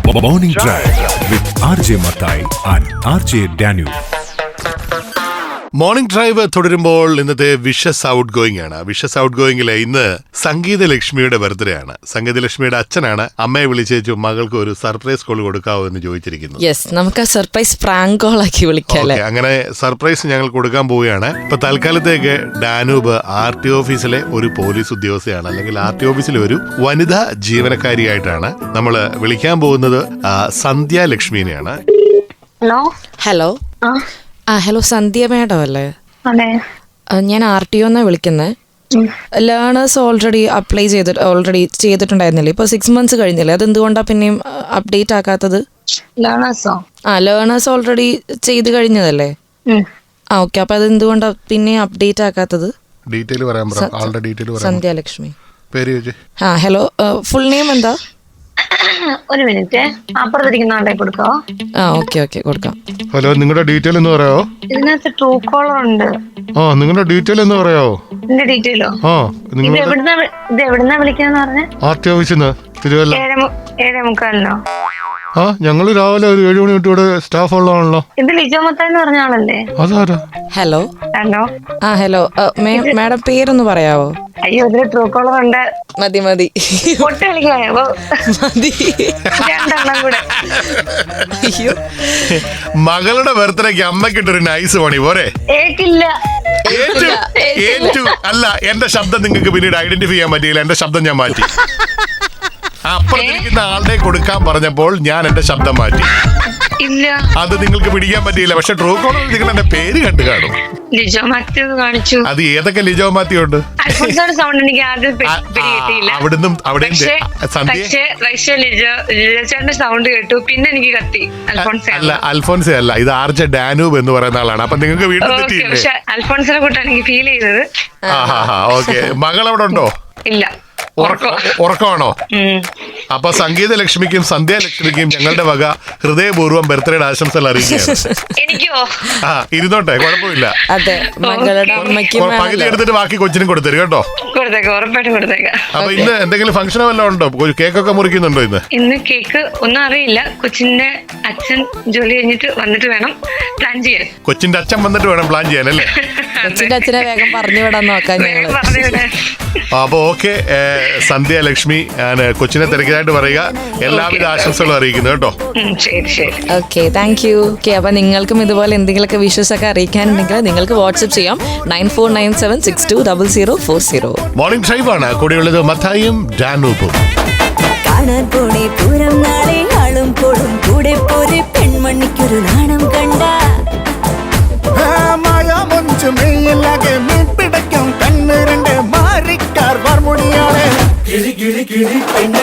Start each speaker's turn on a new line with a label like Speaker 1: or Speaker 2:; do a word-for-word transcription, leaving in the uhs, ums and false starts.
Speaker 1: Morning Drive with R J Mathai and R J Daniel.
Speaker 2: Morning drive തുടരുമ്പോൾ ഇന്നത്തെ wishes out going ആണ്. Wishes out ഗോയിങ്ങിലെ ഇന്ന് സംഗീത ലക്ഷ്മിയുടെ ബർത്ത്ഡേ ആണ്. സംഗീത ലക്ഷ്മിയുടെ അച്ഛനാണ് അമ്മയെ വിളിച്ചു മകൾക്ക് ഒരു സർപ്രൈസ് കോൾ കൊടുക്കാവോ എന്ന് ചോദിച്ചിരിക്കുന്നത്.
Speaker 3: യെസ്, നമുക്ക് ആ സർപ്രൈസ് പ്രാങ്ക് കോൾ ആക്കി വിളിക്കാം.
Speaker 2: അങ്ങനെ സർപ്രൈസ് ഞങ്ങൾ കൊടുക്കാൻ പോവുകയാണ്. ഇപ്പൊ തൽക്കാലത്തേക്ക് ഡാനൂബ് ആർ ടി ഓഫീസിലെ ഒരു പോലീസ് ഉദ്യോഗസ്ഥയാണ്, അല്ലെങ്കിൽ ആർ ടി ഓഫീസിലെ ഒരു വനിതാ ജീവനക്കാരിയായിട്ടാണ് നമ്മൾ വിളിക്കാൻ പോകുന്നത്. സന്ധ്യ ലക്ഷ്മിനെയാണ്.
Speaker 4: ഹലോ
Speaker 3: ഹലോ ആ ഹലോ സന്ധ്യ മാഡം അല്ലേ?
Speaker 4: അതെ,
Speaker 3: ഞാൻ ആർ ടി ഒന്നാ വിളിക്കുന്നത്. ലേണേഴ്സ് ഓൾറെഡി അപ്ലൈ ചെയ്തിട്ട് ഓൾറെഡി ചെയ്തിട്ടുണ്ടായിരുന്നില്ലേ? ഇപ്പൊ സിക്സ് മന്ത്സ് കഴിഞ്ഞില്ലേ, അത് എന്തുകൊണ്ടാണ് പിന്നെയും അപ്ഡേറ്റ് ആക്കാത്തത്?
Speaker 4: ലേണേഴ്സോ?
Speaker 3: ആ ലേണേഴ്സ് ഓൾറെഡി ചെയ്ത് കഴിഞ്ഞതല്ലേ? ആ ഓക്കെ, അപ്പൊ അത് എന്തുകൊണ്ടാ പിന്നെയും അപ്ഡേറ്റ് ആക്കാത്തത്?
Speaker 2: ഡീറ്റെയിൽ പറയാൻ പറ. ആളുടെ ഡീറ്റെയിൽ പറയാം.
Speaker 3: സന്ധ്യ ലക്ഷ്മി.
Speaker 2: പേര് ചോദിച്ചേ.
Speaker 3: ആ ഹലോ, ഫുൾ നെയിം എന്താ?
Speaker 4: ഒരു മിനിറ്റ്, അപ്പുറത്തിരിക്കുന്ന ആളുടെ കൊടുക്കോ?
Speaker 3: ആ ഓക്കെ ഓക്കെ കൊടുക്കാം.
Speaker 2: ഹലോ, നിങ്ങളുടെ ഡീറ്റെയിൽ എന്ന് പറയാവോ?
Speaker 4: ഇതിനകത്ത് ട്രൂ കോളർ ഉണ്ട്.
Speaker 2: ആ നിങ്ങളുടെ ഡീറ്റെയിൽ എന്ന് പറയാവോ?
Speaker 4: എന്റെ ഡീറ്റെയിലോ?
Speaker 2: ആ
Speaker 4: ഇത് എവിടുന്നാ ഇത് എവിടുന്നാ വിളിക്കാന്ന് പറഞ്ഞ?
Speaker 2: ആർ ടി ഓഫീസിൽ നിന്ന് തിരുവല്ല.
Speaker 4: ഏഴേ മുക്കാലിനോ?
Speaker 2: ആ ഞങ്ങള് രാവിലെ ഒരു ഏഴു മണി തൊട്ട് ഇവിടെ സ്റ്റാഫ് ഉള്ളതാണല്ലോ.
Speaker 4: ഇത് ലിജോ മത്താന്ന് പറഞ്ഞ ആളല്ലേ?
Speaker 2: അതാരാ?
Speaker 3: ഹലോ
Speaker 4: ഹലോ
Speaker 3: ആ ഹലോ മാഡം പേരൊന്ന് പറയാവോ?
Speaker 4: അയ്യോ, ഇതില് ട്രൂ കോളർ ഉണ്ട്.
Speaker 3: മതി മതി
Speaker 4: പൊട്ട് കളിക്കായോ?
Speaker 3: മതി.
Speaker 4: രണ്ടെണ്ണം കൂടെ.
Speaker 3: അയ്യോ,
Speaker 2: മകളുടെ ബർത്ത്ഡേക്ക് അമ്മക്കിട്ടൊരു നൈസ് പണി പോരെ?
Speaker 4: ഏക്കില്ല.
Speaker 2: ഏറ്റു ഏറ്റു അല്ല, എന്റെ ശബ്ദം നിങ്ങൾക്ക് പിന്നീട് ഐഡന്റിഫൈ ചെയ്യാൻ പറ്റിയില്ല. എന്റെ ശബ്ദം ഞാൻ മാറ്റി. അപ്പുറത്തിരിക്കുന്ന ആളുടെ കൊടുക്കാൻ പറഞ്ഞപ്പോൾ ഞാൻ എന്റെ ശബ്ദം മാറ്റി.
Speaker 4: ഇല്ല,
Speaker 2: അത് നിങ്ങൾക്ക് പിടിക്കാൻ പറ്റിയില്ല. പക്ഷെ ട്രൂ കോളർ നിങ്ങൾ എന്റെ പേര് കണ്ടു കാണും.
Speaker 4: ലിജോ മാത്യു കാണിച്ചു.
Speaker 2: അത് ഏതൊക്കെ ലിജോ മാത്യു ഉണ്ട്?
Speaker 4: അൽഫോൻസോയുടെ സൗണ്ട് എനിക്ക് ആദ്യം പിടികിട്ടിയില്ല.
Speaker 2: അവിടുന്നും അവിടെ
Speaker 4: പക്ഷേ ലിജോ ലിജോ ചേട്ടന്റെ സൗണ്ട് കേട്ടു, പിന്നെ എനിക്ക് കത്തി. അൽഫോൻസ
Speaker 2: അല്ല, അൽഫോൻസ അല്ല, ഇത് ആർ ജെ ഡാനൂബ് എന്ന് പറയുന്ന ആളാണ്. അപ്പൊ നിങ്ങൾക്ക് വീണ്ടും തെറ്റിയില്ലേ?
Speaker 4: പക്ഷെ അൽഫോൻസിനെ കൂട്ടാണ് എനിക്ക് ഫീൽ ചെയ്തത്.
Speaker 2: ഓക്കെ, മകൾ അവിടെ ഉണ്ടോ?
Speaker 4: ഇല്ല,
Speaker 2: ഉറക്കമാണോ? അപ്പൊ സംഗീത ലക്ഷ്മിക്കും സന്ധ്യ ലക്ഷ്മിക്കും ഞങ്ങളുടെ വക ഹൃദയപൂർവ്വം ബർത്ത്ഡേ ആശംസകൾ അറിയിക്കുകയാണ്.
Speaker 4: എനിക്കോ?
Speaker 2: ആ ഇരുന്നോട്ടെ, കുഴപ്പമില്ല.
Speaker 3: അതെ, മകളുടെ അമ്മയ്ക്കും
Speaker 2: പകുതി എടുത്തിട്ട് ബാക്കി കൊച്ചിനും കൊടുത്തരും കേട്ടോ.
Speaker 4: കൊടുത്തേക്കാം, ഉറപ്പായിട്ടും കൊടുത്തേക്കാം.
Speaker 2: അപ്പൊ ഇന്ന് എന്തെങ്കിലും ഫംഗ്ഷനോ വല്ലതും ഉണ്ടോ? കേക്കൊക്കെ മുറിക്കുന്നുണ്ടോ ഇന്ന്?
Speaker 4: ഇന്ന് കേക്ക് ഒന്നും അറിയില്ല. കൊച്ചിന്റെ അച്ഛൻ ജോലി കഴിഞ്ഞിട്ട് വന്നിട്ട് വേണം പ്ലാൻ ചെയ്യാൻ.
Speaker 2: കൊച്ചിന്റെ അച്ഛൻ വന്നിട്ട് വേണം പ്ലാൻ ചെയ്യാൻ അല്ലേ?
Speaker 3: കൊച്ചിന്റെ അച്ഛനെ വേഗം പറഞ്ഞു വിടാൻ നോക്കാം ഞങ്ങള്.
Speaker 2: അപ്പൊ ഓക്കെ, സന്ധ്യ ലക്ഷ്മി കൊച്ചിനെ തിരക്കിയതായിട്ട് പറയുക. എല്ലാവിധ ആശംസകളും അറിയിക്കുന്നു കേട്ടോ.
Speaker 3: Okay, thank you. ഓക്കെ, അപ്പൊ നിങ്ങൾക്കും ഇതുപോലെ എന്തെങ്കിലുമൊക്കെ വിഷസ് ഒക്കെ അറിയിക്കാനുണ്ടെങ്കിൽ നിങ്ങൾക്ക് വാട്സ്ആപ്പ് ചെയ്യാം nine four nine seven six two double zero four zero.
Speaker 2: Morning drive ആണ് കൂടെയുള്ളത് മത്തായും ഡാനൂബും.
Speaker 5: കാണാൻ പോണേ പൂരം നാളെ ആളും പോടും കൂടെ പോരെ പെൺമണിക്കൊരു നാണം കണ്ട പിടയ്ക്കും കണ്ണ് രണ്ട് മാറിക്കാർ വാർമുടിയാണ് കിളി കിളി കിളി പെണ്ണ